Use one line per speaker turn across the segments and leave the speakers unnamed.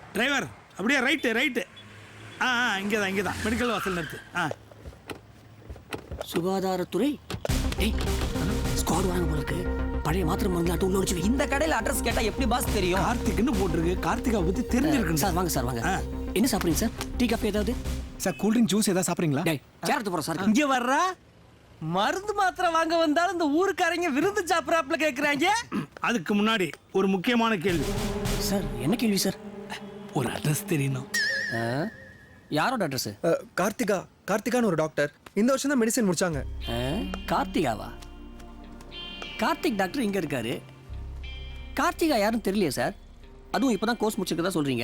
Driver அப்படியே right. இங்கே தான் மெடிக்கல் வாசல் நிறுத்து.
சுகாதாரத்துறை. ஸ்குவாட் வாங்க போல இருக்கு. பழைய மாத்திரை மருந்து உள்ள வச்சு.
இந்த கடையில் அட்ரஸ் கேட்டா எப்படி பாஸ் தெரியும்?
கார்த்திக்னு போட்டிருக்கு. கார்த்திகா பத்தி தெரிஞ்சிருக்கு
சார். வாங்க. என்ன சாப்பிடுறீங்க சார்? டீ காஃபி ஏதாவது?
சார் கூல் ட்ரிங்க் ஜூஸ் ஏதாவது சாப்பிட்றீங்களா?
சேரத்து போகிறோம் சார்.
இங்கே வர்றா மருந்து மாத்திரை வாங்க வந்தாலும் இந்த ஊருக்காரங்க விருந்து சாப்பிட்றாப்புல கேட்குறாங்க.
அதுக்கு முன்னாடி ஒரு முக்கியமான கேள்வி
சார். என்ன கேள்வி சார்?
ஒரு அட்ரஸ் தெரியணும்.
யாரோட அட்ரஸ்?
கார்த்திகான்னு ஒரு டாக்டர் இந்த வருஷம் தான் மெடிசன் முடிச்சாங்க.
கார்த்திகாவா? கார்த்திக் டாக்டர் இங்கே இருக்காரு. கார்த்திகா யாரும் தெரியலையே சார். அதுவும் இப்போ தான் கோர்ஸ் முடிச்சிருக்கதா சொல்கிறீங்க.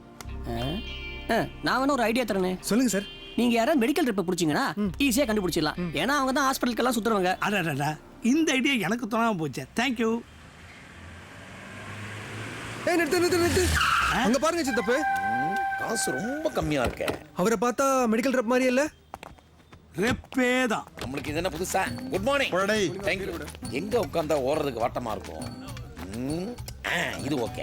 நான் வேணா ஒரு ஐடியா தரேனே.
சொல்லுங்க சார்.
நீங்க யாராவது மெடிக்கல் ட்ரிப்பை பிடிச்சிங்கன்னா ஈஸியாக கண்டுபிடிச்சிடலாம். ஏன்னா அவங்க தான் ஹாஸ்பிட்டலுக்கெல்லாம் சுற்றுவாங்க.
அடடா, இந்த ஐடியா எனக்கு தோணாமல் போச்சு. தேங்க்யூ.
நிறுத்து. அங்க பாருங்க சித்தப்பு.
காசு ரொம்ப கம்மியா இருக்க.
அவரை பார்த்தா மெடிக்கல் ரெப் மாதிரி இல்ல?
ரெப்பே தான்.
நம்மளுக்கு இது என்ன புதுசா? Good morning. தேங்க்யூ. எங்க உட்கார்ந்தா ஓடுறதுக்கு வாட்டமா இருக்கும். இது ஓகே.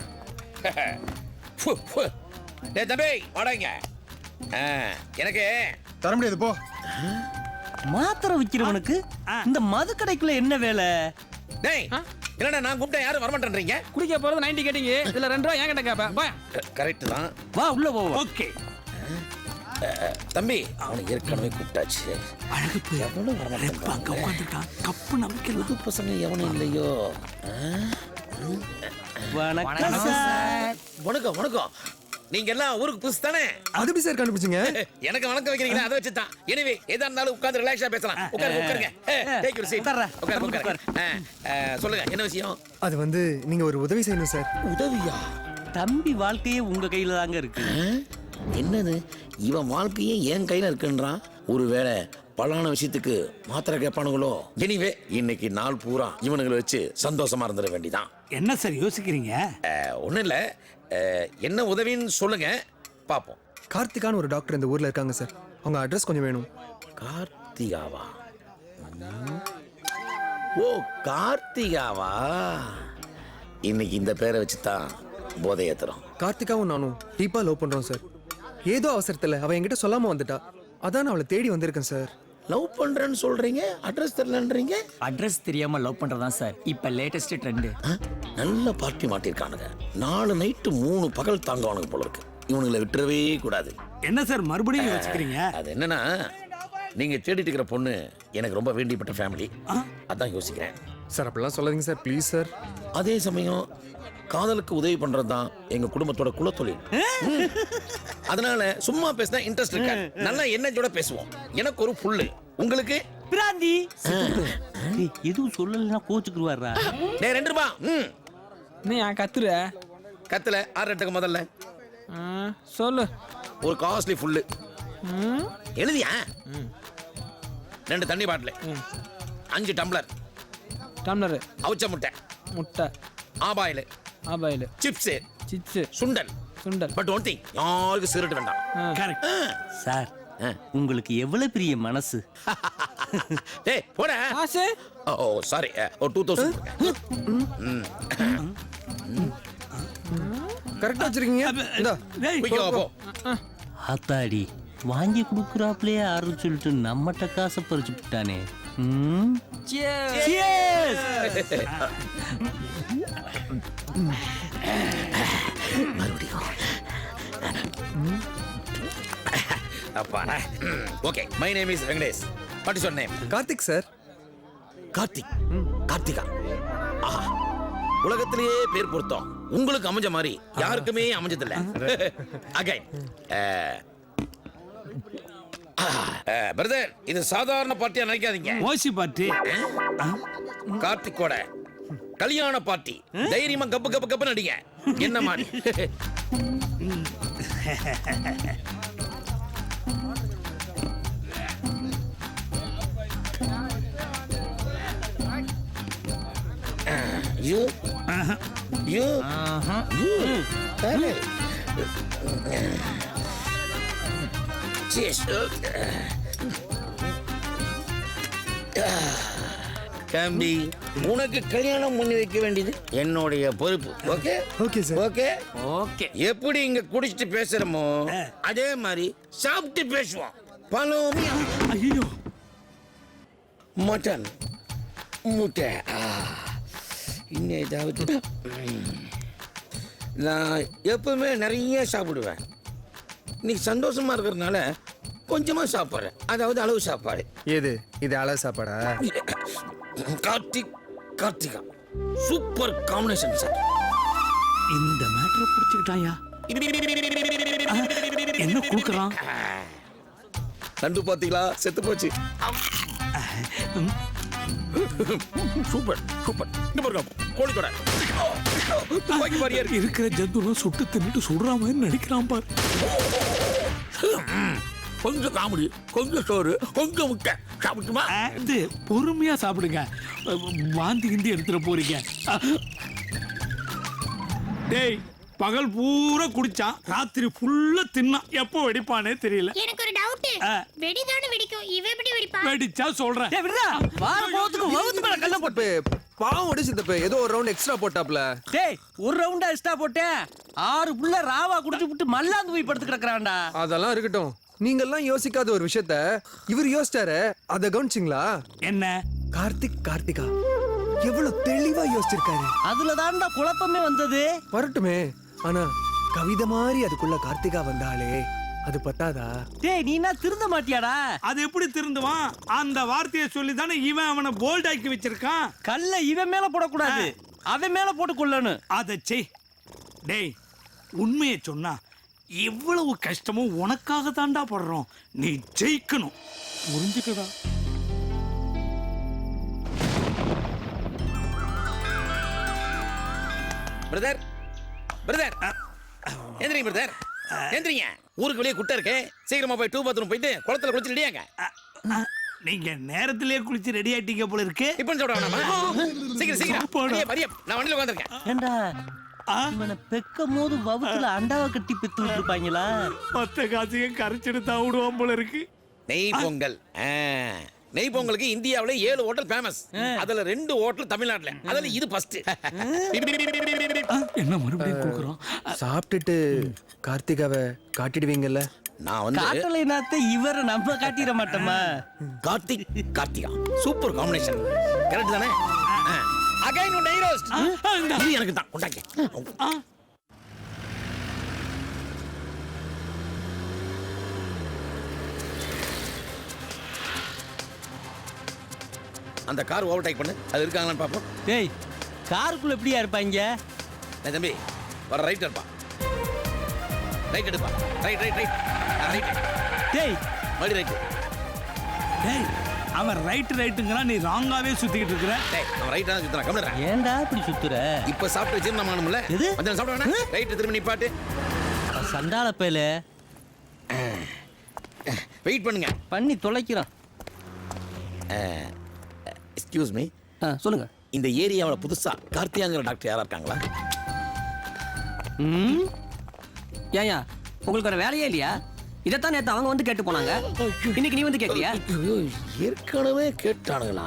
டேய் தம்பி வாடங்க. எனக்கு
தர முடியாது போ.
மாத்திரை விற்கிறவனுக்கு இந்த மது கடைக்குள்ள என்ன வேலை?
டேய் என்னடா நான் கூப்பிட்டா யாரும் வரமாட்டேன்றீங்க?
குடிக்க போறது 90 கேட்டிங்க. இதுல 2 ரூபா ஏன் கிட்ட கேப்ப?
கரெக்ட் தான்.
வா உள்ள போ.
ஓகே
தம்பி அவனை ஏற்கனவே கூப்பிட்டாச்சு.
அழகு போய்
எவனும் வரமாட்டான்.
அங்க உட்காந்துட்டான். கப்பு நம்பிக்கலாம்.
புது பசங்க எவனும் இல்லையோ.
வணக்கம் சார்.
வணக்கம். நீங்க எல்லாம் ஊருக்கு புதுசு தானே?
அது எப்படி சார் கண்டுபிடிச்சீங்க?
எனக்கு வணக்கம் வைக்கிறீங்களா? அதை வச்சு தான். எனிவே எதா இருந்தாலும் உட்கார்ந்து ரிலாக்ஸா பேசலாம். உட்காருங்க. Take your seat. உட்காருங்க. சொல்லுங்க என்ன விஷயம்?
அது வந்து நீங்க ஒரு உதவி செய்யணும் சார்.
உதவியா?
தம்பி வாழ்க்கையே உங்க கையில தாங்க இருக்கு.
என்னது இவன் வாழ்க்கையே என் கையில இருக்குன்றான். ஒருவேளை பலான விஷயத்துக்கு மாத்திரை கேட்பானுங்களோ? எனிவே இன்னைக்கு நாள் பூரா இவனுங்களை வச்சு சந்தோஷமா இருந்துட வேண்டிதான்.
என்ன சார் யோசிக்கிறீங்க?
ஒன்றும் இல்லை. என்ன உதவின்னு சொல்லுங்க பார்ப்போம்.
கார்த்திகான்னு ஒரு டாக்டர் இந்த ஊர்ல இருக்காங்க சார். அவங்க அட்ரஸ் கொஞ்சம் வேணும்.
கார்த்திகாவா? ஓ கார்த்திகாவா. இன்னைக்கு இந்த பேரை வச்சு தான் போதை ஏத்துறோம்.
கார்த்திகாவும் நானும் டீப்பா லவ் பண்றோம் சார். ஏதோ அவசரத்துல அவ என்கிட்ட சொல்லாம வந்துட்டா. அதான் அவளை தேடி வந்திருக்கேன் சார்.
லவ் பண்றேன்னு சொல்றீங்க, அட்ரஸ் தெரியலன்றீங்க.
அட்ரஸ் தெரியாம லவ் பண்றதா சார் இப்ப லேட்டஸ்ட் ட்ரெண்ட்.
நல்ல பார்ட்டி மாட்டிருக்கானுங்க. 4 நைட்டு 3 பகல் தாங்குவானுங்க போல இருக்கு. இவனுங்களை விட்டுறவே கூடாது.
என்ன சார் மறுபடியும் யோசிக்கிறீங்க?
அது என்னன்னா நீங்க தேடிட்டு இருக்கிற பொண்ணு எனக்கு ரொம்ப வேண்டியப்பட்ட ஃபேமிலி. அதான் யோசிக்கிறேன்.
சார் அப்படிலாம் சொல்லாதீங்க சார் ப்ளீஸ் சார்.
அதே சமயம் காதலுக்கு உதவி பண்றது தான் எங்க குடும்பத்தோட குலத்தொழில். அதனால சும்மா பேசினா இன்ட்ரெஸ்ட் இருக்கா? நல்லா என்னோட பேசுவோம். எனக்கு ஒரு புல்லு, உங்களுக்கு
பிராந்தி. எதுவும் சொல்லலைன்னா கோச்சுக்குருவாரா?
டேய் 2 ரூபா.
நீ ஏன் கத்துற?
கத்துல 6 எட்டுக்கு முதல்ல
சொல்லு.
ஒரு காஸ்ட்லி புல்லு எழுதியா? 2 தண்ணி பாட்டில், 5 டம்ளர்,
டம்ளர்,
அவிச்ச முட்டை, ஆபாயில், சிப்ஸ், சுண்டல். பட் ஒன் திங், யாருக்கு சிகரெட் வேண்டாம்.
Correct
sir. உங்களுக்கு எவ்வளவு பெரிய மனசு.
டேய் போடா.
காசு?
ஓ சாரி, ஒரு 2000.
கரெக்டா வச்சிருக்கீங்க. இந்தா
போ.
ஆத்தாடி வாங்கி கொடுக்குறாப்லே ஆறு சொல்லிட்டு நம்மகிட்ட காசை பறிச்சு விட்டானே.
மறுபடியும் அப்பா. Okay, my name is Venkatesh. What is your name?
Karthik sir.
Karthika. ஆஹா, உலகத்திலேயே பேர் பொருத்தம் உங்களுக்கு அமைஞ்ச மாதிரி யாருக்குமே அமைஞ்சதில்லை. அகைன் பிரதர், இது சாதாரண பார்ட்டியா நினைக்காதீங்க.
ஓசி பார்ட்டி.
கார்த்திக்கோட கல்யாண பார்ட்டி. தைரியமா கப்பு கப்பு கப்பு நடிங்க. என்ன மாதிரி you cheers. தம்பி உனக்கு கல்யாணம் பண்ணி வைக்க வேண்டியது என்னுடைய பொறுப்பு. Okay
okay sir.
Okay
okay.
எப்படி இங்க குடிச்சிட்டு பேசுறோமோ அதே மாதிரி சாப்பிட்டு பேசுவோம். பழம்
ஐயோ
மட்டன் முட்டை இன்னும் ஏதாவது நான் எப்பவுமே நிறைய சாப்பிடுவேன். இன்னைக்கு சந்தோஷமா இருக்கிறதுனால கொஞ்சமா சாப்பிட்றேன். அதாவது அளவு சாப்பாடு.
ஏது இது அளவு சாப்பாடா?
Karthika super combination sir.
இந்த மேட்டரை பிடிச்சிக்கிட்டாயா? என்ன கொடுக்குறான்?
நண்டு பாத்தீங்களா? செத்து போச்சு. Super super. இந்த பாருங்க கோழிக்கொடை. துப்பாக்கி மாதிரியே இருக்கு.
இருக்கிற ஜந்துலாம் சுட்டு தின்னுட்டு சுடுற மாதிரி நடிக்கிறான் பாரு.
கொஞ்சம் காமெடி, கொஞ்சம் சோறு, கொஞ்சம் முட்டை சாப்பிட்டுமா?
இது பொறுமையா சாப்பிடுங்க. வாந்தி கிந்தி எடுத்துட போறீங்க. டேய் பகல் பூரா குடிச்சான், ராத்திரி ஃபுல்லா தின்னான். எப்போ வெடிப்பானே தெரியல.
எனக்கு ஒரு டவுட். வெடிதானே வெடிக்கும், இவ எப்படி வெடிப்பா?
வெடிச்சா சொல்றேன்.
டேய் விடுடா. வார போறதுக்கு வவுத்து மேல கல்ல போட்டு.
பாவம் ஒடி சித்தப்ப ஏதோ ஒரு ரவுண்ட் எக்ஸ்ட்ரா போட்டாப்ல.
டேய் ஒரு ரவுண்டா எக்ஸ்ட்ரா போட்டேன். 6 புள்ள ராவா குடிச்சு விட்டு மல்லாந்து போய் படுத்து கிடக்குறான்டா.
அதெல்லாம் இருக்கட்டும். நீங்கெல்லாம் யோசிக்காத ஒரு விஷயத்த இவர் யோசிச்சாரு. அத கவனிச்சிங்களா?
என்ன?
கார்த்திகா எவ்வளவு தெளிவா யோசிச்சிருக்காரு.
அதுல தான்டா குழப்பமே வந்தது.
வரட்டுமே, ஆனா கவிதை மாதிரி அதுக்குள்ள கார்த்திகா வந்தாலே அது பத்தாதா?
டேய் நீ என்ன திருந்த மாட்டியாடா?
அது எப்படி திருந்துவான்? அந்த வார்த்தையை சொல்லி தானே இவன் அவனை போல்டாக்கி வச்சிருக்கான்.
கல்ல இவன் மேல போடக்கூடாது, அவன் மேல போட்டு கொள்ளணும்.
அதை செய். டேய் உண்மையை சொன்னா இவ்வளவு கஷ்டமும் உனக்காக தாண்டா படுறோம். நீ ஜெயிக்கணும். புரிஞ்சுக்கடா.
பிரதர் பிரதர் எந்திரிங்க பிரதர், எந்திரிங்க. ஊருக்கு வெளியே குட்டை இருக்கு. சீக்கிரமா போய் 2 பாத்ரூம் போயிட்டு குளத்துல குளிச்சு ரெடியாங்க.
நீங்க நேரத்திலேயே குளிச்சு ரெடி ஆயிட்டீங்க போல இருக்கு.
இப்போ சொல்ற வேணாமா? சீக்கிரம் சீக்கிரம்.
சாப்பாடா?
வரியா, வரியா. நான் வண்டியில உட்கார்ந்திருக்கேன்.
ஏண்டா இவனை பெக்கும் போது வவுத்துல அண்டாவை கட்டி பெத்து விட்டுருப்பாங்களா?
மொத்த காசையும் கரைச்சிட்டு தான் விடுவான் போல இருக்கு.
நெய் பொங்கல். நெய் பொங்கலுக்கு இந்தியாவில 7 ஹோட்டல் ஃபேமஸ். அதுல 2 ஹோட்டல் தமிழ்நாட்டுல. அதுல இது ஃபர்ஸ்ட்.
என்ன மறுபடியும் கொடுக்குறோம்?
சாப்பிட்டுட்டு கார்த்திகாவை காட்டிடுவீங்கல்ல?
நான் வந்து
காட்டலை நாத்த இவரை நம்ம காட்டிட மாட்டோமா?
Karthika super combination. கரெக்ட் தானே? அகைன் ஒன் நெய் ரோஸ்ட். இது எனக்கு தான். கொண்டாங்க. அந்த கார் ஓவர்டேக் பண்ணு. அது இருக்காங்களான்னு பாப்போம்.
டேய் காருக்குள்ள எப்படியா இருப்பாங்க?
டேய் தம்பி வர ரைட் இருப்பா. ரைட் எடுப்பா. Right right right. ரைட்.
டேய்
மறுபடி ரைட்.
டேய் அவன் ரைட்டுங்கிறான், நீ ராங்காவே சுத்திக்கிட்டு இருக்கிற.
டேய் அவன் ரைட்டா தான் சுத்துறான். கம்முனு இரு.
ஏன்டா இப்படி சுத்துற?
இப்ப சாப்பிட்டு ஜீரணம் ஆகணும்ல?
எது?
கொஞ்சம் சாப்பிட வேணா? ரைட் திரும்பி நிப்பாட்டு.
சண்டால பேல
வெயிட் பண்ணுங்க.
பண்ணி தொலைக்கிறான்.
எக்ஸ்கியூஸ் மீ,
சொல்லுங்க.
இந்த ஏரியாவில் புதுசா கார்த்தியாங்கிற டாக்டர் யாரா இருக்காங்களா?
ஏயா உங்களுக்கு ஒரு வேலையே இல்லையா? இதைத்தான் நேத்து அவங்க வந்து கேட்டு போனாங்க, இன்னைக்கு நீ வந்து கேட்கறியா?
ஏற்கனவே கேட்டானுங்களா?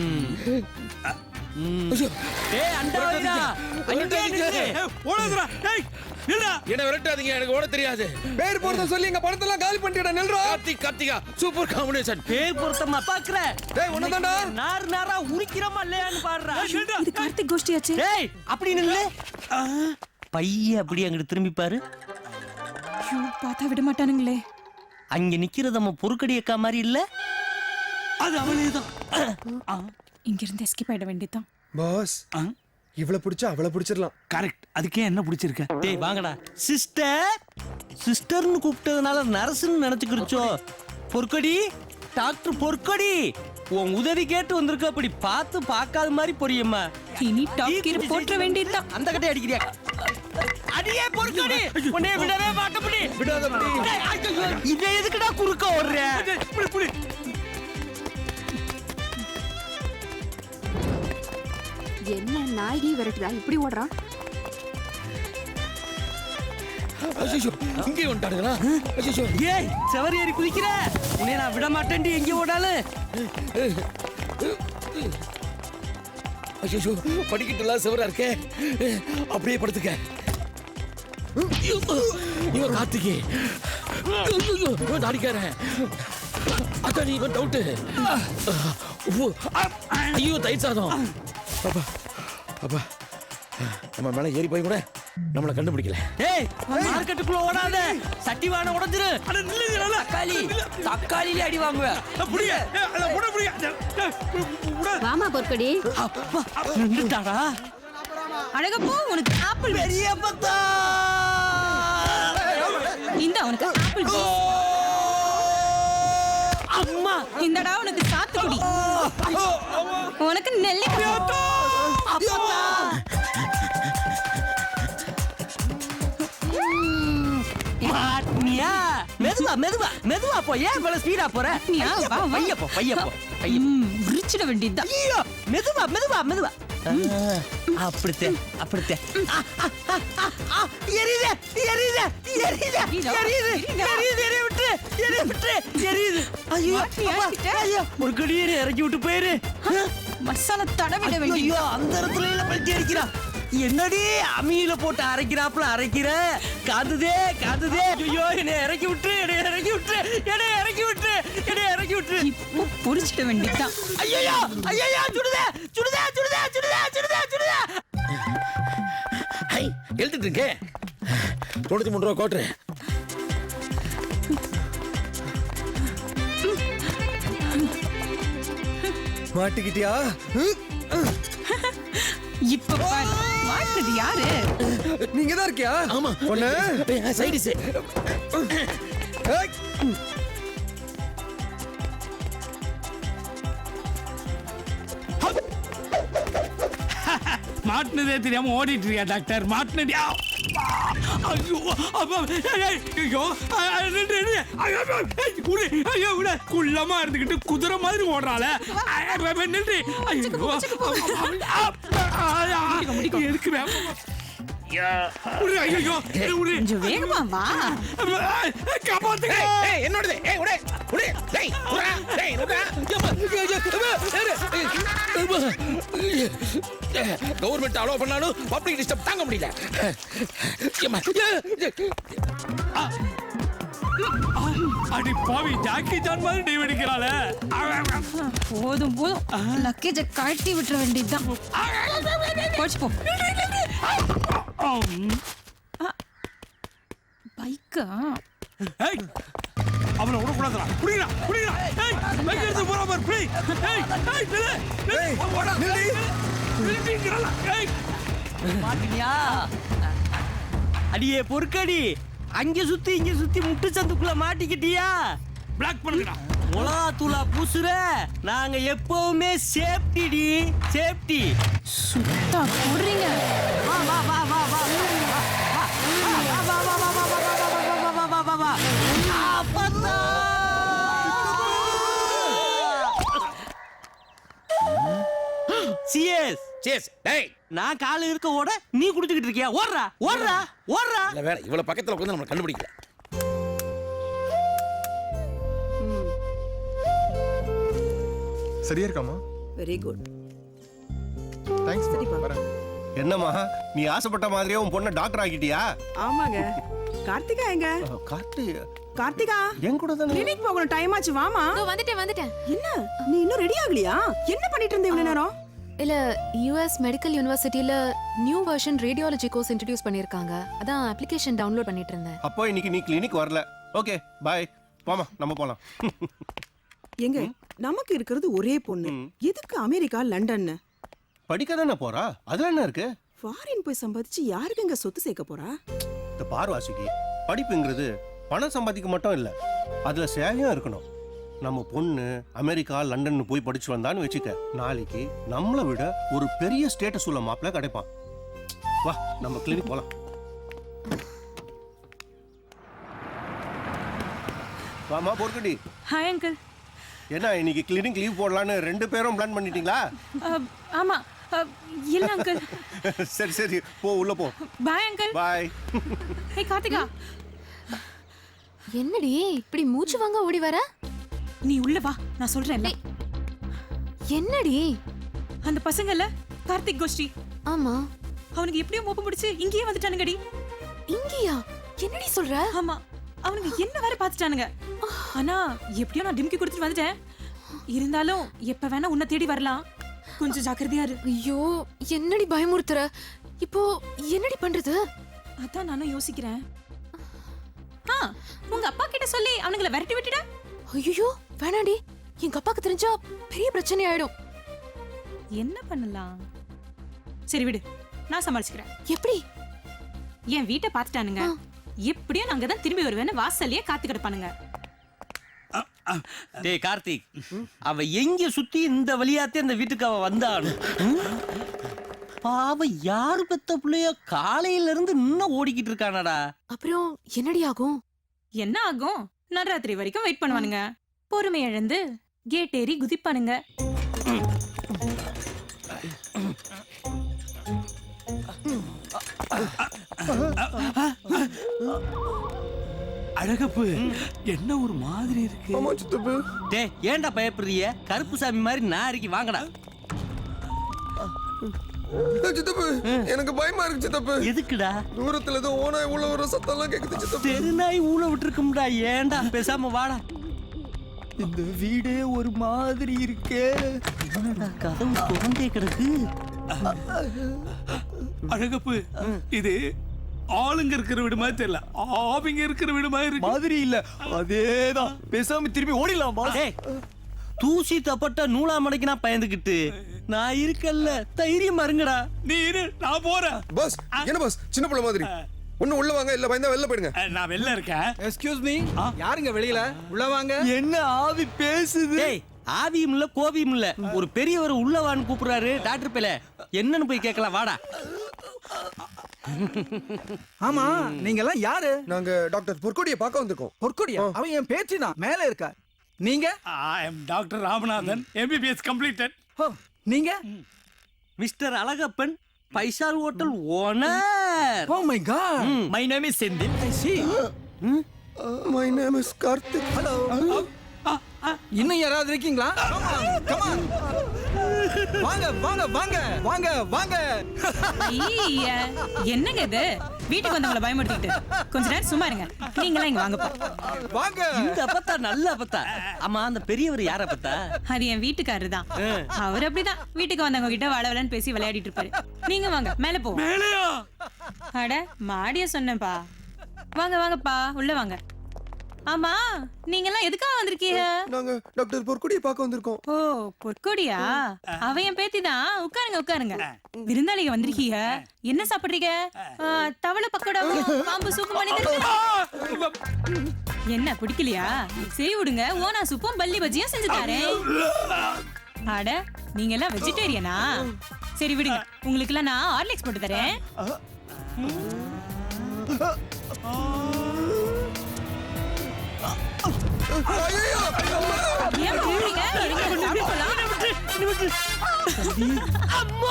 ஏய் அண்டா
ஓடுதுடா. டேய் நில்லுடா.
என்ன விரட்டாதீங்க, எனக்கு ஓட தெரியாது.
பேர் போறத சொல்லி எங்க படத்தெல்லாம் காலி பண்ணிட்டடா. நில்றா.
Karthika super combination.
பேர் பொருத்தமா பாக்குற?
டேய் ஒண்ணுதான்டா.
நாரா உரிக்கிறமா இல்லையான்னு பாடுறா.
இது கார்த்திக் கோஷ்டியாச்சு.
ஏய் அப்படி நில்லு. பைய அப்படி அங்கிட்டு திரும்பி பாரு.
ஐயோ பார்த்தா விட மாட்டானுங்களே.
அங்க நிக்கிறது நம்ம பொறுக்கடி அக்கா மாதிரி இல்ல?
அது அவளேதான்.
இங்க இருந்து எஸ்கேப் ஆயிட வேண்டியதான்.
பாஸ் இவளை பிடிச்சா அவளை பிடிச்சிடலாம்.
கரெக்ட். அதுக்கே என்ன பிடிச்சிருக்க?
டேய் வாங்கடா. சிஸ்டர்னு கூப்பிட்டதுனால நர்ஸ்னு நினைச்சுக்கிடுச்சோ? பொற்கொடி டாக்டர் பொற்கொடி உன் உதவி கேட்டு வந்திருக்க. அப்படி பார்த்து பார்க்காத மாதிரி பொரியம்மா.
இனி டாப் கீர் போற்ற வேண்டியதான்.
அந்த கட்டை அடிக்கிறியா? அடியே பொற்கொடி உன்னை விடவே மாட்டபடி.
விடாதபடி.
இதை எதுக்குடா குறுக்க ஓடுற?
புடி.
என்ன நாயகி விரட்டுதா இப்படி ஓடுறான்?
ஐயோ இங்கே வந்துட்டானுங்களா? ஐயோ
ஏய் செவரி ஏறி குதிக்கிற. உன்னை நான் விட மாட்டேன்டி எங்கே ஓடாலும்.
ஐயோ படிக்கட்டுலாம் சிவரா இருக்கே. அப்படியே படுத்துக்க. இவன் கார்த்திகே, இவன் தாடிக்காரன். அதான் இவன் டவுட்டு. ஐயோ தயிர் சாதம். அப்பா அப்பா, நம்ம மேல ஏறி போய் கூட நம்மளை கண்டுபிடிக்கல.
ஏய் மார்க்கெட்டுக்குள்ள ஓடாத, சட்டி வான உடைஞ்சிரு.
அட நில்லுங்க.
தக்காளி தக்காளியிலே அடி வாங்குவேன்.
புடிங்க. அட புடிங்க.
வாமா பொற்கொடி.
அப்பா நின்றுட்டாடா.
அழகப்போ உனக்கு ஆப்பிள்
பெரிய பத்தா.
இந்த உனக்கு ஆப்பிள் ஜூஸ்.
அம்மா
இந்தடா உனக்கு சாத்துக்குடி. உனக்கு நெல்லிக்காய்.
மாட்னியா? மெதுவா மெதுவா மெதுவா போ. ஏன் இவ்வளவு ஸ்பீடா போற?
நீயா? வா, வா.
பைய போ பைய போ.
உரிச்சிட வேண்டியதுதான்.
ஐயோ மெதுவா மெதுவா மெதுவா. அப்படித்தே அப்படித்தே. எரியுது எரியுது எரியுது எரியுது எரியுது விட்டு எரிய விட்டு எரியுது. ஐயோ
மாட்டியா?
ஐயோ ஒரு கடியேறி இறக்கி விட்டு போயிரு.
மசாலா தடவிட வேண்டியது.
ஐயோ அந்த இடத்துல எல்லாம் பல்ட்டி அடிக்கிறா. என்னடி அம்மியில போட்டு அரைக்கிறாப்புல அரைக்கிற? காதுதே காதுதே. ஐயோ என்னை இறக்கி விட்டு என்னை இறக்கி விட்டு என்னை இறக்கி விட்டு என்னை இறக்கி விட்டு.
இப்போ பொரிச்சிட வேண்டியதுதான்.
ஐயோ ஐயோ சுடுதே சுடுதே சுடுதே சுடுதே சுடுதே சுடுதே.
ஹை எழுதிட்டு இருக்கே. 93 ரூபா கோட்டு.
மாட்டிக்கிட்டியா?
இப்ப பாரு, மாட்டுறது யாரு?
நீங்க தான் இருக்கியா?
ஆமா
ஒண்ணு.
சைடிஸ்.
ஏய்.
மாட்டினதே தெரியாம ஓடிட்டு இருக்கியா டாக்டர்? மாட்டினடியா? ஐயோ அப்பா, ஐயோ ஐயோ விட குள்ளமா இருந்துகிட்டு குதிரை மாதிரி ஓடுறாள. நின்று எதுக்கு
கொஞ்சம் வேகமா வா.
காப்பாத்துங்க.
என்னோடது. ஏய் உடே உடே. டேய் உடா. டேய் உடா. கவர்மெண்ட் அலோ பண்ணாலும் பப்ளிக் டிஸ்டர்ப் தாங்க முடியல.
அடி பாவி, ஜாக்கி ஜான் மாதிரி டீவ் அடிக்கிறாளே.
போதும் போதும், லக்கேஜ கழட்டி விட்டுற வேண்டியதுதான். போச்சு போ. பைக்கா?
ஏய் அவனை விடக்கூடாதுடா. புடிங்கடா புடிங்கடா. ஏய் பைக் எடுத்து போறா பாரு. புடி. ஏய் ஏய் நில்லு.
ஏய்,
ஓடா.
நில்லு.
நில்லுங்கறல. ஏய்
மாட்டினியா? அடியே பொறுக்கடி, அங்க சுத்தி இங்க சுத்தி முட்டு சந்துக்குள்ள மாட்டிக்கிட்டியா?
பிளாக் பண்ணுங்கடா.
மொளகாத்தூளா பூசுற? நாங்க எப்பவுமே சேஃப்டி சேஃப்டி.
சுத்தா போடுறீங்க.
வா வா வா வா வா சிஎஸ்
சேஸ். டேய்
நான் கால இருக்க ஓட நீ குடிச்சுக்கிட்டு இருக்கியா? ஓடுறா ஓடுறா ஓடுறா.
இல்ல வேற இவ்வளவு பக்கத்துல உட்கார்ந்து நம்ம கண்டுபிடிக்கல.
சரியா இருக்காமா?
Very good.
தேங்க்ஸ். வரேன்.
என்னம்மா நீ ஆசைப்பட்ட மாதிரியே உன் பொண்ணை டாக்டர் ஆக்கிட்டியா?
ஆமாங்க. கார்த்திகா எங்க? கார்த்திகா
என் கூட தானே.
கிளினிக் போகணும், டைம் ஆச்சு, வாமா.
வந்துட்டேன்.
என்ன நீ இன்னும் ரெடி ஆகலையா? என்ன பண்ணிட்டு இருந்த இவ்வளவு நேரம்?
இல்ல, US மெடிக்கல் யூனிவர்சிட்டில new version radiology course introduce பண்ணிருக்காங்க. அதான் அப்ளிகேஷன் டவுன்லோட் பண்ணிட்டு இருந்தேன்.
அப்போ இன்னைக்கு நீ கிளினிக் வரல. Okay bye. வாமா நம்ம போலாம்.
எங்க நமக்கு இருக்கிறது ஒரே பொண்ணு, எதுக்கு அமெரிக்கா லண்டன்?
படிக்க தானே போறா, அதுல என்ன இருக்கு?
ஃபாரின் போய் சம்பாதிச்சு யாருக்கு எங்க சொத்து சேர்க்க போறா?
இந்த பார்வாசிக்கு படிப்புங்கிறது பணம் சம்பாதிக்க மட்டும் இல்ல, அதுல சேவையும் இருக்கணும். நம்ம பொண்ணு அமெரிக்கா லண்டன் போய் படிச்சு வந்தான்னு வச்சுக்க, நாளைக்கு நம்மளை விட ஒரு பெரிய ஸ்டேட்டஸ் உள்ள மாப்பிள்ள கிடைப்பான். வா நம்ம கிளினிக் போலாம். வாமா போர்க்கடி.
Hi uncle.
என்ன இன்னைக்கு கிளினிக் லீவ் போடலான்னு 2 பேரும் பிளான் பண்ணிட்டீங்களா?
ஆமா. இல்ல அங்கிள்.
சரி சரி போ, உள்ள போ.
Bye uncle.
Bye.
Hey Karthika.
என்னடி இப்படி மூச்சு வாங்க ஓடி வர?
நீ உள்ள வா, நான் சொல்றேன்.
என்னடி?
அந்த பசங்கல கார்த்திக் கோஷ்டி.
ஆமா.
அவனுக்கு எப்படியோ மோப்பம் பிடிச்சு இங்கேயே வந்துட்டானுங்கடி.
இங்கயா? என்னடி சொல்ற?
ஆமா, அவனுக்கு என்ன வேற பாத்துட்டானுங்க. ஆனா எப்படியோ நான் டிம்கி கொடுத்துட்டு வந்துட்டேன். இருந்தாலும் எப்ப வேணா உன்னை தேடி வரலாம், கொஞ்சம் ஜாக்கிரதையா இரு.
ஐயோ, என்னடி பயமுறுத்துற? இப்போ என்னடி பண்றது?
அதான் நானும் யோசிக்கிறேன். உங்க அப்பா கிட்ட சொல்லி அவனுங்களை விரட்டி விட்டுட.
ஐயோ வேணாடி, எங்க அப்பாக்கு தெரிஞ்சா பெரிய பிரச்சனை ஆயிடும்.
என்ன பண்ணலாம்? சரி விடு, நான் சமாளிச்சுக்கிறேன்.
எப்படி?
என் வீட்டை பாத்துட்டானுங்க, எப்படியும் நாங்க தான் திரும்பி வருவேன்னு வாசல்லயே காத்து கிடப்பானுங்க.
டேய் கார்த்திக், அவ எங்க சுத்தி இந்த வழியாத்தே அந்த வீட்டுக்கு அவ வந்தானு. பாவ யாரு பெத்த பிள்ளையோ காலையில இருந்து இன்னும் ஓடிக்கிட்டு இருக்கானடா.
அப்புறம் என்னடி ஆகும்?
என்ன ஆகும்? நடுராத்திரி வரைக்கும் வெயிட் பண்ணுவானுங்க. பொறுமை இழந்து கேட் ஏறி குதிப்பானுங்க.
அழகப்பு, என்ன ஒரு மாதிரி இருக்கு?
ஆமா சித்தப்பு.
டேய் ஏன்டா பயப்படுறிய? கருப்பு சாமி மாதிரி நாரிக்கு வாங்கடா.
சித்தப்பு, எனக்கு பயமா இருக்கு சித்தப்பு.
எதுக்குடா?
தூரத்துல ஏதோ ஓனாய் உள்ள வர சத்தம்லாம் கேக்குது சித்தப்பு.
தெருநாய் ஊழ விட்டுருக்கும்டா. ஏன்டா பேசாம வாடா.
இந்த வீடே ஒரு மாதிரி இருக்கே.
என்னடா கதவு திறந்தே கிடக்கு?
அழகப்பு, இது ஆளுங்க இருக்கிற வீடு மாதிரி தெரியல, ஆவிங்க இருக்கிற வீடு மாதிரி இருக்கு.
மாதிரி இல்ல, அதேதான். பேசாம திரும்பி ஓடிடலாம்.
டேய், தூசி தப்பட்ட நூலா மடைக்கு நான் பயந்துகிட்டு நான் இருக்கல்ல, தைரியம் மருங்கடா.
நீ இரு, நான் போறேன்.
பஸ் என்ன பஸ், சின்ன பிள்ளை மாதிரி. ஒண்ணு உள்ள வாங்க, இல்ல பயந்தா வெளில போயிடுங்க.
நான் வெளில இருக்கேன்.
எக்ஸ்கியூஸ் மீ, யாருங்க வெளியில? உள்ள வாங்க.
என்ன ஆவி பேசுது?
டேய், ஆவியும் இல்ல கோவியும் இல்ல, ஒரு பெரியவர் உள்ளவான்னு கூப்பிடுறாரு. டாக்டர் பேல என்னன்னு போய் கேட்கலாம், வாடா.
ஆமா, நீங்க எல்லாம் யாரு?
நாங்க டாக்டர் பொற்கொடியை பார்க்க வந்திருக்கோம்.
பொற்கொடியா? அவன் என் பேச்சு தான் மேல இருக்கா. நீங்க?
I am doctor Ramanathan, MBBS completed.
நீங்க?
Mister Alagappan, Faisal hotel owner.
Oh my God.
My name is Senthil.
I see.
My name is Karthik.
Hello. இன்னும் யாராவது இருக்கீங்களா? Come on. வாங்க வாங்க வாங்க வாங்க வாங்க.
ஐய, என்னங்க இது? வீட்டுக்கு வந்தவங்கள பயமுறுத்திட்டு கொஞ்ச நேரம் சும்மா இருங்க. நீங்களாம் இங்க வாங்கப்பா.
வாங்க.
இந்த அப்பத்தா நல்ல அப்பத்தா. ஆமா, அந்த பெரியவர் யார அப்பத்தா?
அது என் வீட்டுக்காரரு தான். அவர் அப்படிதான் வீட்டுக்கு வந்தவங்க கிட்ட வளவலன்னு பேசி விளையாடிட்டு இருப்பாரு. நீங்க வாங்க, மேல போ.
மேலையா?
அட மாடிய சொன்னேன்ப்பா. வாங்க வாங்கப்பா, உள்ள வாங்க. ஆமா, நீங்க எல்லாம் எதுக்காக வந்திருக்கீங்க?
நாங்க டாக்டர் பொற்கொடியை பார்க்க வந்திருக்கோம்.
ஓ, பொற்கொடியா? அவ என் பேத்தி தான். உட்காருங்க உட்காருங்க. விருந்தாளிங்க வந்திருக்கீங்க. என்ன சாப்பிடுறீங்க? தவளை பக்கோடாவும் பாம்பு சூப்பு பண்ணி தரேன். என்ன பிடிக்கலையா? சரி விடுங்க, ஓனா சூப்பும் பல்லி பஜ்ஜியும் செஞ்சு தரேன். அட, நீங்க எல்லாம் வெஜிடேரியனா? சரி விடுங்க, உங்களுக்கு எல்லாம் நான் ஹார்லிக்ஸ் போட்டு தரேன். ஏன் போறீங்க? இருங்க, சாப்பிடலாம்.
அம்மா!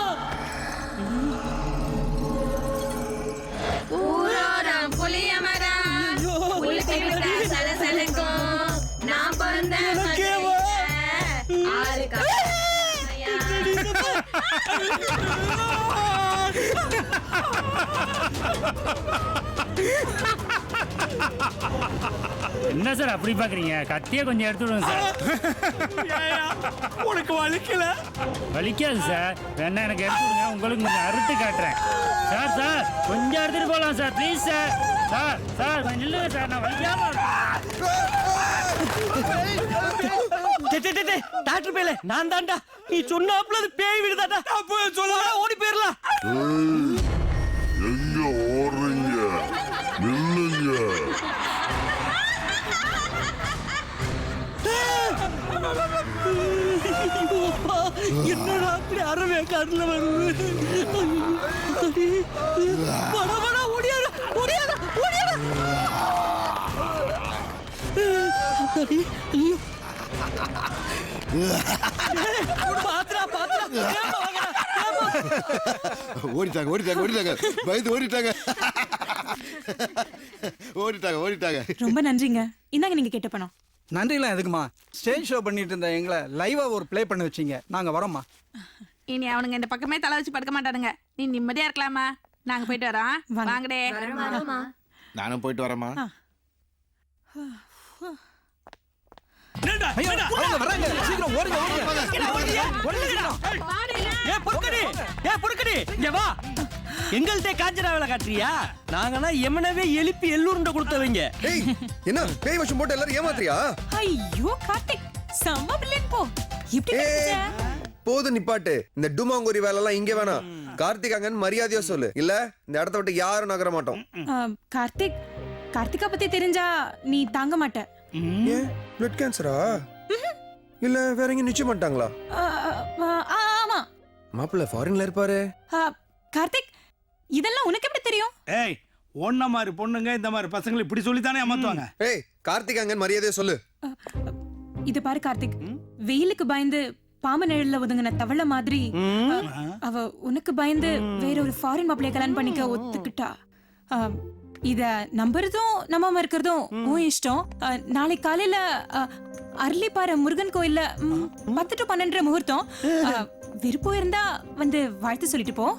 ஊரோரம் புளிய மரம் புளிச்சு விட்டா சலசலக்கும். நான் பிறந்த ஆறு
என்ன சார் அப்படி பாக்குறீங்க? கத்தியே கொஞ்சம் எடுத்துடுங்க சார்.
உனக்கு வலிக்கல?
வலிக்காது சார், வேணா எனக்கு எடுத்துடுங்க, உங்களுக்கு கொஞ்சம் அறுத்து காட்டுறேன். சார் சார் கொஞ்சம் எடுத்துட்டு போகலாம் sir, please sir. Sir sir கொஞ்சம் இல்லைங்க சார், நான் வலிக்காம.
டாக்டர் பேல நான் தான்டா. நீ சொன்னாப்ல அது பேய் விடுதாடா. அப்போ சொல்லாத ஓடி போயிரலாம்.
எங்க ஓடுறீங்க? நில்லுங்க.
என்னடா அப்படி அறவே காட்டுல வருது? வட வட ஓடியாரு ஓடியாரு ஓடியாரு. பாத்ரா பாத்ரா
ஓடிட்டாங்க ஓடிட்டாங்க ஓடிட்டாங்க, பயந்து ஓடிட்டாங்க ஓடிட்டாங்க ஓடிட்டாங்க.
ரொம்ப நன்றிங்க. இந்தாங்க நீங்க கேட்ட பணம்.
நன்றிலாம் எதுக்குமா? ஸ்டேஜ் ஷோ பண்ணிட்டு இருந்த எங்களை லைவா ஒரு ப்ளே பண்ண வச்சீங்க. நாங்க வரோம்மா.
இனி அவனுங்க இந்த பக்கமே தலை வச்சு படுக்க மாட்டானுங்க. நீ நிம்மதியா இருக்கலாமா? நாங்க போயிட்டு வரோம். வாங்கடே.
நானும் போயிட்டு வரேம்மா.
வராங்க. சீக்கிரம் ஓடுங்க பொறுக்கடி இங்க வா. எங்கள்கிட்ட காஞ்சனா வேலை காட்டுறியா? நாங்கன்னா எமனவே எழுப்பி எல்லூருண்ட கொடுத்தவங்க.
ஏய் என்ன பேய் வசம் போட்டு எல்லாரும் ஏமாத்துறியா?
ஐயோ கார்த்திக் செம்ம பில்லியன் போ. இப்படி
போது நிப்பாட்டு. இந்த டுமாங்குரி வேலை எல்லாம் இங்க வேணாம். கார்த்திக் அங்கன்னு மரியாதையா சொல்லு, இல்ல இந்த இடத்த விட்டு யாரும் நகர மாட்டோம்.
கார்த்திகா பத்தி தெரிஞ்சா நீ தாங்க மாட்ட.
ஏன் பிளட் கேன்சரா இல்ல வேற எங்க நிச்சயம் பண்ணிட்டாங்களா?
ஆமா
மாப்பிள்ள ஃபாரின்ல இருப்பாரு.
கார்த்திக் இதெல்லாம் உனக்கு எப்படி தெரியும்?
ஏய் ஒன்ன மாதிரி பொண்ணுங்க இந்த மாதிரி பசங்களை இப்படி சொல்லித்தானே ஏமாத்துவாங்க.
ஏய் கார்த்திக் அங்கன்னு மரியாதையா சொல்லு.
இது பாரு கார்த்திக், வெயிலுக்கு பயந்து பாம்பு நிழல்ல ஒதுங்கின தவளை மாதிரி அவ உனக்கு பயந்து வேற ஒரு ஃபாரின் மாப்பிளைய கல்யாணம் பண்ணிக்க ஒத்துக்கிட்டா. இத நம்புறதும் நம்பாம இருக்கிறதும் உன் இஷ்டம். நாளைக்கு காலையில அரளிப்பாறை முருகன் கோயில்ல 10 to 12 முகூர்த்தம். விருப்பம் இருந்தா வந்து வாழ்த்து சொல்லிட்டு போ.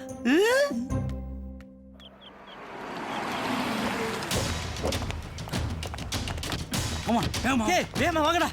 வாங்கடா.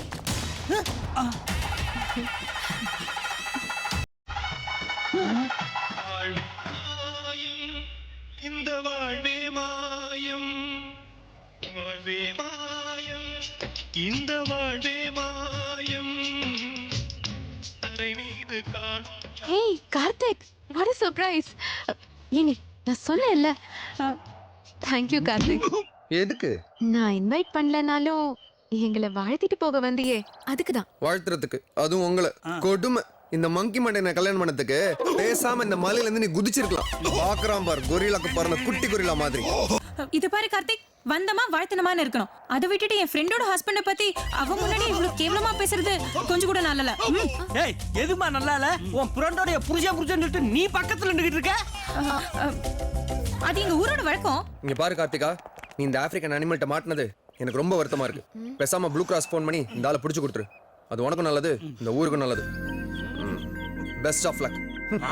இந்த வாழ்வே மாயம், வாழ்வே மாயம், இந்த வாழ்வே மாயம், தரை மீது காண்.
ஏய் கார்த்திக், what a surprise. ஏனி நான் சொன்னேன்ல. Thank you Karthik.
எதுக்கு?
நான் இன்வைட் பண்ணலனாலும் எங்களை வாழ்த்திட்டு போக வந்தியே, அதுக்கு தான்.
வாழ்த்துறதுக்கு, அதுவும் உங்களை கொடுமை. இந்த மங்கி மண்டையை கல்யாணம் பண்ணதுக்கு பேசாம இந்த மலையில இருந்து நீ குதிச்சிருக்கலாம். பாக்குறான் பார் கொரில்லாக்கு பாருங்க, குட்டி கொரில்லா மாதிரி.
இது பாரு கார்த்திக், வந்தமா வாழ்த்தனமான்னு இருக்கணும். அதை விட்டுட்டு என் ஃப்ரெண்டோட ஹஸ்பண்ட பத்தி அவ முன்னாடி இவ்வளவு கேவலமா பேசுறது கொஞ்சம் கூட நல்லல.
ஏய் எதுமா நல்லா இல்ல? உன் ஃப்ரெண்டோட புருஷன் சொல்லிட்டு நீ பக்கத்துல நின்னுகிட்டு இருக்க.
அது எங்க ஊரோட வழக்கம்.
இங்க பாரு கார்த்திகா, நீ இந்த ஆப்பிரிக்கன் அனிமல்ட்ட மாட்டினது எனக்கு ரொம்ப வருத்தமா இருக்கு. பேசாம ப்ளூ கிராஸ் போன் பண்ணி இந்த ஆளை பிடிச்சு கொடுத்துரு. அது உனக்கும் நல்லது, இந்த ஊருக்கும் நல்லது. Best of luck.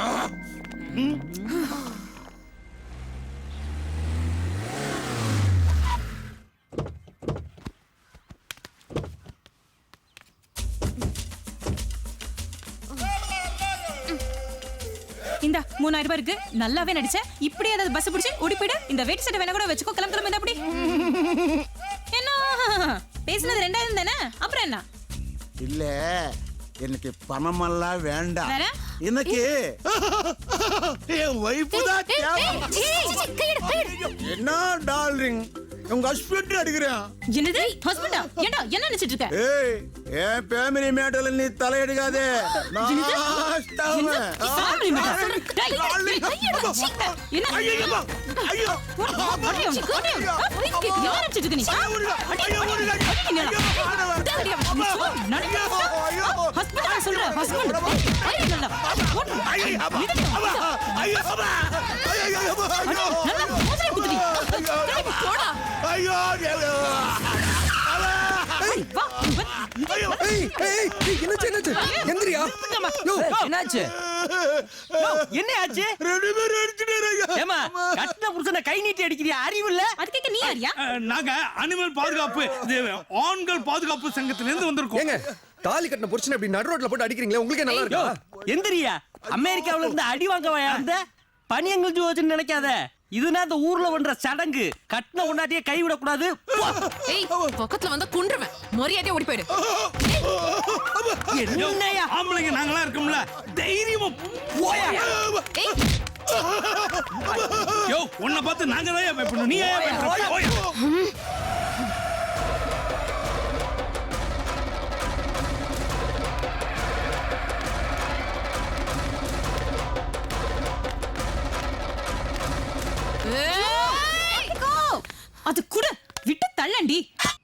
இந்த 3000 ரூபாய் இருக்கு, நல்லாவே நடிச்ச. இப்படி ஏதாவது பஸ் பிடிச்சு ஓடி போயிடு. இந்த வெயிட் சட்டை வேணா கூட வச்சுக்கோ. கிளம்பு இந்த அப்படி. என்ன பேசினது 2000 தானே, அப்புறம் என்ன?
இல்ல எனக்கு பணமெல்லாம் வேண்டாம்.
வேற?
எனக்கு என் வைஃப் தான் தேவை. என்ன டார்லிங், உங்க ஹஸ்பண்ட் அடிக்கிறேன்.
என்னது ஹஸ்பண்டா? ஏண்டா என்ன நினைச்சிட்டு இருக்க?
ஏய் என் ஃபேமிலி மேட்டர்ல நீ தலையிடாதே.
கை நீட்டி அடிக்கிறியா? அறிவு இல்ல?
அதுக்கு நீ யாரியா?
நாங்க அனிமல் பாதுகாப்பு ஆண்கள் பாதுகாப்பு சங்கத்துல இருந்து வந்திருக்கோம்.
ஏங்க தாலி கட்டின புருஷனை இப்படி நடு ரோட்ல போட்டு அடிக்கிறீங்களே, உங்களுக்கு நல்லா இருக்கா?
எந்திரியா? அமெரிக்காவுல இருந்து அடி வாங்கவா அந்த பனியங்கள் ஜோதின்னு நினைக்காத. இதுனா இந்த ஊர்ல பண்ற சடங்கு. கட்டின உண்டாட்டியே கை விட கூடாது.
ஏய் பக்கத்துல வந்தா குன்றுவேன். மரியாதையா ஓடி போயிடு.
என்னையா
ஆம்பளைங்க நாங்களா இருக்கோம்ல, தைரியமா போயா.
ஏய்
யோ உன்னை பார்த்து நாங்க தான் பயப்படணும், நீ ஏன் பயப்படுற? போயா.
அது கூட விட்டு தள்ளண்டி.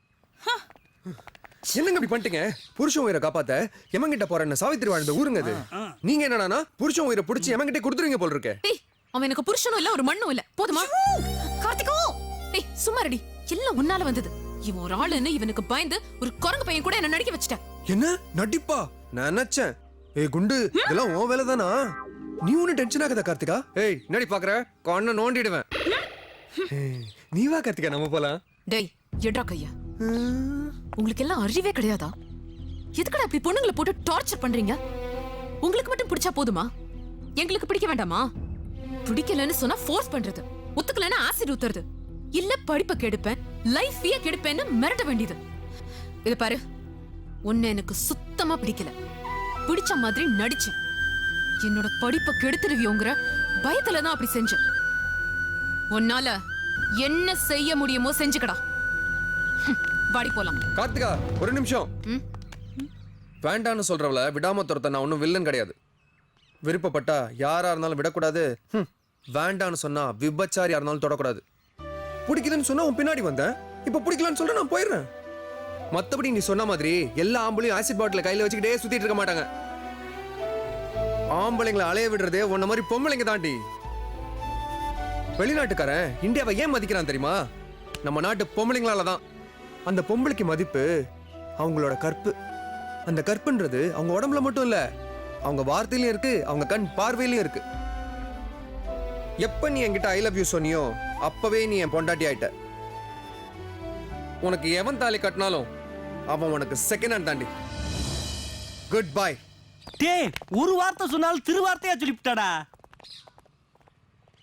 என்னங்க இப்படி பண்ணிட்டீங்க? புருஷன் உயிரை காப்பாத்த எமங்கிட்ட போறேன்னு சாவித்திரி வாழ்ந்த ஊருங்க அது. நீங்க என்னன்னா புருஷன் உயிரை பிடிச்சி எமங்கிட்ட கொடுத்துருங்க போல இருக்கு.
அவன் எனக்கு புருஷனும் இல்ல, ஒரு மண்ணும் இல்ல. போதுமா? கார்த்திகோ ஏய் சும்மா ரெடி. எல்லாம் உன்னால வந்தது. இவன் ஒரு ஆளுன்னு இவனுக்கு பயந்து ஒரு குரங்கு பையன் கூட என்ன நடிக்க வச்சிட்ட.
என்ன நடிப்பா? நான் நினைச்சேன் ஏய் குண்டு இதெல்லாம் உன் வேலை தானா? நீ ஒன்னும் டென்ஷன் ஆகாத கார்த்திகா. ஏய் என்னடி பாக்குற? கண்ணை நோண்டிடுவேன். ஏய், நீ வா கார்த்திகா நம்ம போலாம்.
டேய் எட்ரா கையா. உங்களுக்கு எல்லாம் அறிவே கிடையாதா? எதுக்குடா இப்படி பொண்ணுங்களை போட்டு டார்ச்சர் பண்றீங்க? உங்களுக்கு மட்டும் பிடிச்சா போதுமா? எங்களுக்கு பிடிக்க வேண்டாமா? பிடிக்கலன்னு சொன்னா ஃபோர்ஸ் பண்றது, ஒத்துக்கலன்னா ஆசிட் ஊத்துறது, இல்ல படிப்பை கெடுப்பேன் லைஃபையே கெடுப்பேன்னு மிரட்ட வேண்டியது. இது பாரு, உன்னை எனக்கு சுத்தமா பிடிக்கல. பிடிச்ச மாதிரி நடிச்சேன். என்னோட படிப்பை கெடுத்துருவியோங்கிற பயத்துல தான் அப்படி செஞ்சேன். உன்னால என்ன செய்ய முடியுமோ செஞ்சுக்கடா. வாடி போலாம்.
கார்த்திகா ஒரு நிமிஷம். வேண்டான்னு சொல்றவள விடாம துரத்த நான் ஒன்றும் வில்லன் கிடையாது. விருப்பப்பட்டா யாரா இருந்தாலும் விடக்கூடாது. வேண்டான்னு சொன்னா விபச்சாரியா இருந்தாலும் தொடக்கூடாது. பிடிக்குதுன்னு சொன்னா உன் பின்னாடி வந்தேன், இப்ப பிடிக்கலன்னு சொல்ற நான் போயிடுறேன். மத்தபடி நீ சொன்ன மாதிரி எல்லா ஆம்பளையும் ஆசிட் பாட்டில கையில வச்சுக்கிட்டே சுத்திட்டு இருக்க மாட்டாங்க. ஆம்பளைங்களை அலைய விடுறதே உன்ன மாதிரி பொம்பளைங்க தாண்டி. வெளிநாட்டுக்காரன் இந்தியாவை ஏன் மதிக்கிறான் தெரியுமா? நம்ம நாட்டு பொம்பளைங்களால தான். அந்த பொம்பளைக்கு மதிப்பு அவங்களோட கற்பு. அந்த கற்புன்றது அவங்க உடம்புல மட்டும் இல்ல, அவங்க வார்த்தையிலும் இருக்கு, அவங்க கண் பார்வையிலும் இருக்கு. எப்ப நீ என்கிட்ட ஐ லவ் யூ சொன்னியோ அப்பவே நீ என் பொண்டாட்டி ஆயிட்ட. உனக்கு எவன் தாலி கட்டினாலும் அவன் உனக்கு செகண்ட் ஹேண்ட் தாண்டி. Good bye.
டேய் ஒரு வார்த்தை சொன்னாலும் திருவார்த்தையா சொல்லிவிட்டாடா.